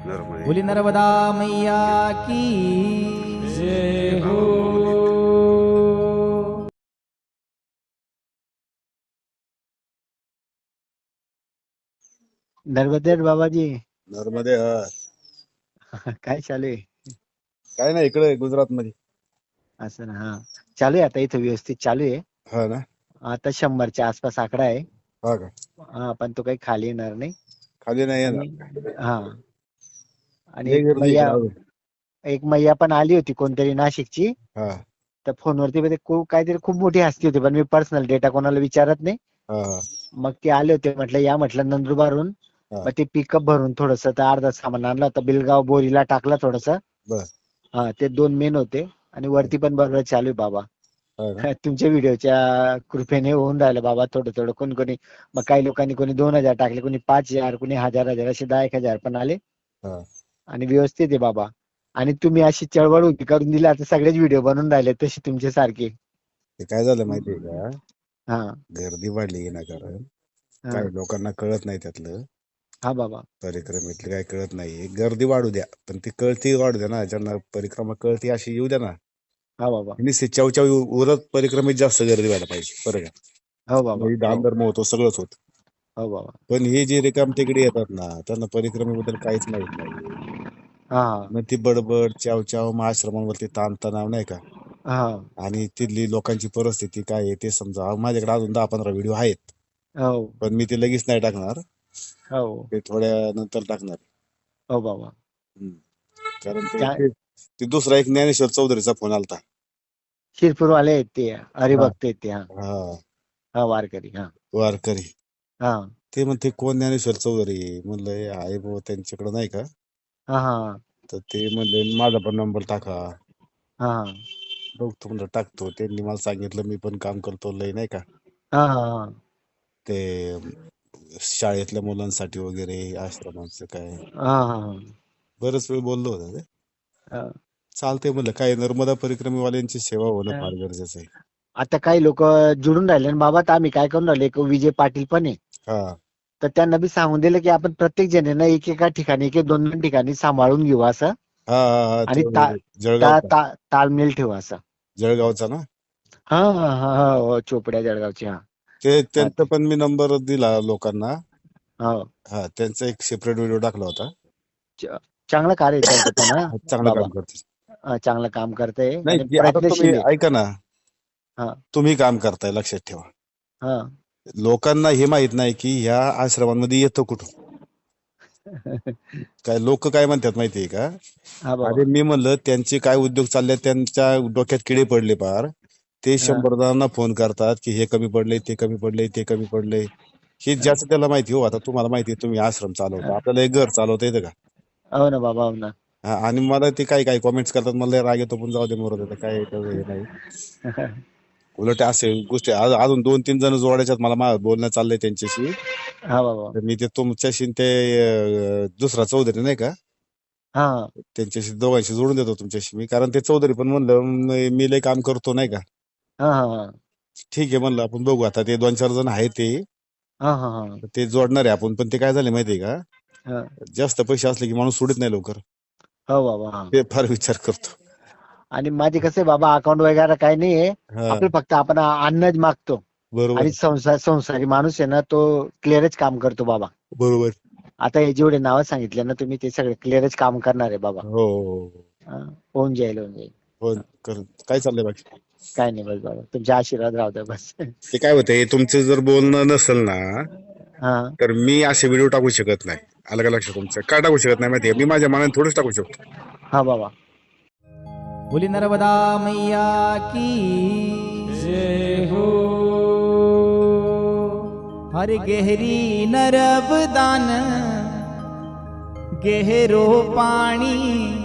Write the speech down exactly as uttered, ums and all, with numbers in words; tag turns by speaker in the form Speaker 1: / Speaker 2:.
Speaker 1: नर्मदे
Speaker 2: बोली नर्मदा मैया की जय हो।
Speaker 3: नर्मदे बाबाजी.
Speaker 1: नर्मदे हा
Speaker 3: काय चालू आहे?
Speaker 1: काय नाही इकडे गुजरात मध्ये.
Speaker 3: असं ना. हा चालू आहे आता इथं व्यवस्थित चालू आहे.
Speaker 1: हा ना.
Speaker 3: आता शंभरच्या आसपास आकडा आहे.
Speaker 1: हा का.
Speaker 3: हा पण तो काही खाली येणार नाही.
Speaker 1: खाली नाही
Speaker 3: आणि
Speaker 1: येणार.
Speaker 3: हा आणि
Speaker 1: लय
Speaker 3: एक
Speaker 1: गर्दी
Speaker 3: मैया
Speaker 1: इकडे अजून.
Speaker 3: एक मैया पण आली होती कोणतरी नाशिकची.
Speaker 1: हा
Speaker 3: तर फोनवरती मध्ये खूप काहीतरी खूप मोठी हस्ती होती पण मी पर्सनल डेटा कोणाला विचारत नाही.
Speaker 1: हा हा
Speaker 3: मग ते आले होते म्हटलं या म्हटलं नंदुरबारून.
Speaker 1: हा.
Speaker 3: मग ते पिकअप भरून थोडस अर्धा सामान आणलं होतं बिलगाव बोरीला टाकलं थोडस.
Speaker 1: बर.
Speaker 3: हा ते दोन मेन होते आणि वरती पण बरोबर चालू आहे बाबा.
Speaker 1: हा ना.
Speaker 3: तुमच्या व्हिडिओच्या कृपेने होऊन राहिलं बाबा थोडं थोडं कोणी कोणी. मग काही लोकांनी कोणी दोन हजार टाकले कोणी पाच हजार कोणी हजार हजार असे दहा एक हजार पण आले.
Speaker 1: हा
Speaker 3: आणि व्यवस्थित आहे बाबा. आणि तुम्ही अशी चळवळ उभी करून दिली आता सगळेच व्हिडिओ बनवून राहिले तसे तुमचे सारखे.
Speaker 1: ते काय झालं माहितीये का.
Speaker 3: हा
Speaker 1: गर्दी वाढली ना कारण
Speaker 3: हा
Speaker 1: काही लोकांना कळत नाही त्यातलं.
Speaker 3: हा बाबा.
Speaker 1: परिक्रमेतलं काय कळत नाही. गर्दी वाढू द्या पण ती कळती वाढू द्या ना. ज्यांना परिक्रमा कळती अशी येऊ द्या ना.
Speaker 3: हा बाबा.
Speaker 1: निश्चित चवचाव उरत परिक्रमेत जास्त गर्दी व्हायला पाहिजे. बरं का.
Speaker 3: हो बाबा.
Speaker 1: म्हणजे दान
Speaker 3: हो
Speaker 1: धर्म होतो सगळंच होत.
Speaker 3: हो बाबा.
Speaker 1: पण हे जे रिकाम तिकडे येतात ना त्यांना परिक्रमेबद्दल काहीच माहित नाही.
Speaker 3: हा
Speaker 1: मग ती बडबड चाव चाव मग आश्रमांवरती ताणतणाव नाही का.
Speaker 3: हा
Speaker 1: आणि तिथली लोकांची परिस्थिती काय आहे ते समजा. माझ्याकडे अजून दहा पंधरा व्हिडिओ आहेत.
Speaker 3: हो
Speaker 1: पण मी ते लगेच नाही टाकणार.
Speaker 3: हो
Speaker 1: ते थोड्या नंतर टाकणार.
Speaker 3: हो बाबा.
Speaker 1: हम्म. कारण ते
Speaker 3: काय
Speaker 1: ते- ते दुसरा एक ज्ञानेश्वर चौधरीचा फोन आलता.
Speaker 3: शिरपूरवाले आहेत ते
Speaker 1: हा
Speaker 3: हरिभक्त आहेत ते. हा
Speaker 1: हा
Speaker 3: हा वारकरी. हा
Speaker 1: वारकरी.
Speaker 3: हा
Speaker 1: ते म्हणते कोण ज्ञानेश्वर चौधरी. म्हणलं हे आहे बाबा त्यांच्याकडे नाही का.
Speaker 3: हा हा
Speaker 1: तर ते म्हणले माझा पण नंबर टाका.
Speaker 3: हा
Speaker 1: बघतो म्हणलं टाकतो. त्यांनी मला सांगितलं मी पण काम करतो लय नाही का.
Speaker 3: हा हा
Speaker 1: ते शाळेतल्या मुलांसाठी वगैरे आश्रमांचं काय
Speaker 3: हा हा
Speaker 1: बरंच वेळ बोललो होतो ते.
Speaker 3: हा.
Speaker 1: चालतंय म्हणलं काय नर्मदा परिक्रमेवाल्यांची सेवा होणं फार गरजेचं आहे.
Speaker 3: आता काही लोक जुडून राहिले ना बाबा तर आम्ही काय करून राहिले एक विजय पाटील पण आहे.
Speaker 1: हा
Speaker 3: तर त्यांना बी सांगून दिलं की आपण प्रत्येक जणांना एकेका ठिकाणी एक दोन दोन ठिकाणी सांभाळून घेऊ असं.
Speaker 1: हा हा हा
Speaker 3: आणि
Speaker 1: तो
Speaker 3: ता, ता,
Speaker 1: जळगावचा
Speaker 3: ता, ताळमेळ ठेवू असं.
Speaker 1: जळगावचा ना.
Speaker 3: हा हा हा हा हो, चोपड्या जळगावची. हा
Speaker 1: ते
Speaker 3: हा
Speaker 1: त्यांचा
Speaker 3: ते
Speaker 1: पण मी नंबर दिला लोकांना.
Speaker 3: हो
Speaker 1: हा त्यांचा एक सेपरेट व्हिडिओ टाकला होता.
Speaker 3: च- चांगलं कार्य आहे त्यांचं पण. हा
Speaker 1: चांगलं
Speaker 3: बाबा.
Speaker 1: काम करते.
Speaker 3: हा, चांगलं काम करतंय
Speaker 1: नाही
Speaker 3: आणि
Speaker 1: जे आता तुम्ही
Speaker 3: प्रयत्नशील आहे.
Speaker 1: ऐका ना.
Speaker 3: हा
Speaker 1: तुम्ही काम करताय लक्षात ठेवा.
Speaker 3: हा
Speaker 1: लोकांना हे माहित नाही की ह्या आश्रमांमध्ये येतं कुठून. काय लोक काय म्हणतात माहितीये का.
Speaker 3: हा बाबा.
Speaker 1: अरे मी म्हणलं त्यांचे काय उद्योग चालले त्यांच्या डोक्यात किडे पडले पार. ते
Speaker 3: हा
Speaker 1: शंभर जणांना फोन करतात की हे कमी पडले ते कमी पडले ते कमी पडले. हे
Speaker 3: हा
Speaker 1: ज्याचं त्याला माहिती हो. आता तुम्हाला माहिती आहे तुम्ही आश्रम चालवता. आपल्याला एक घर चालवता येतं का.
Speaker 3: हो ना बाबा. हो ना.
Speaker 1: हा, आणि मला ते काही काही कॉमेंट्स करतात मला राग येतो पण जाऊ दे मोर देतं काय येतं हे नाही. उलट असे गोष्टी आज- अजून दोन तीन जण जोडायच्यात मला मा- बोलणं चाललंय त्यांच्याशी.
Speaker 3: हा बाबा.
Speaker 1: तर मी ते तुमच्याशी ते अं, दुसरा चौधरी नाही का
Speaker 3: हा
Speaker 1: त्यांच्याशी दोघांशी जोडून देतो तुमच्याशी मी. कारण ते चौधरी पण म्हणलं मी मी लय काम करतो नाही का.
Speaker 3: हा हा
Speaker 1: ठीक आहे म्हणलं आपण बघू आता ते दोन चार जण आहेत ते.
Speaker 3: हा हा हा
Speaker 1: ते जोडणार आहे आपण. पण ते काय झाले माहितीये का
Speaker 3: हा
Speaker 1: जास्त पैसे असले की माणूस सोडत नाही लवकर.
Speaker 3: हो बाबा. हा
Speaker 1: ते फार विचार करतो.
Speaker 3: आणि माझे कसे बाबा अकाउंट वगैरे काही नाहीये.
Speaker 1: हा
Speaker 3: आपलं फक्त आपण अन्नच मागतो.
Speaker 1: बरोबर
Speaker 3: आणि संसार संसारी माणूस आहे ना तो क्लिअरच काम करतो बाबा.
Speaker 1: बरोबर.
Speaker 3: आता हे जेवढे नावं सांगितले ना तुम्ही ते सगळे क्लिअरच काम करणार आहे बाबा.
Speaker 1: हो हो
Speaker 3: हा, होऊन जाईल होऊन जाईल.
Speaker 1: हो कर काय चाललंय बाकी.
Speaker 3: काय नाही बस बाबा तुमचे आशीर्वाद राहू द्या बस.
Speaker 1: ते काय होतंय तुमचं जर बोलणं नसेल ना
Speaker 3: हा
Speaker 1: तर मी असे व्हिडिओ टाकू शकत नाही. आलं का लक्षात तुमचं. का टाकू शकत नाही माहितीये मी माझ्या मनाने थोडंच टाकू शकतो.
Speaker 3: हा बाबा.
Speaker 2: बोली नर्मदा मैया की जय हो। हर गहरी नर्मदान गहरो पाणी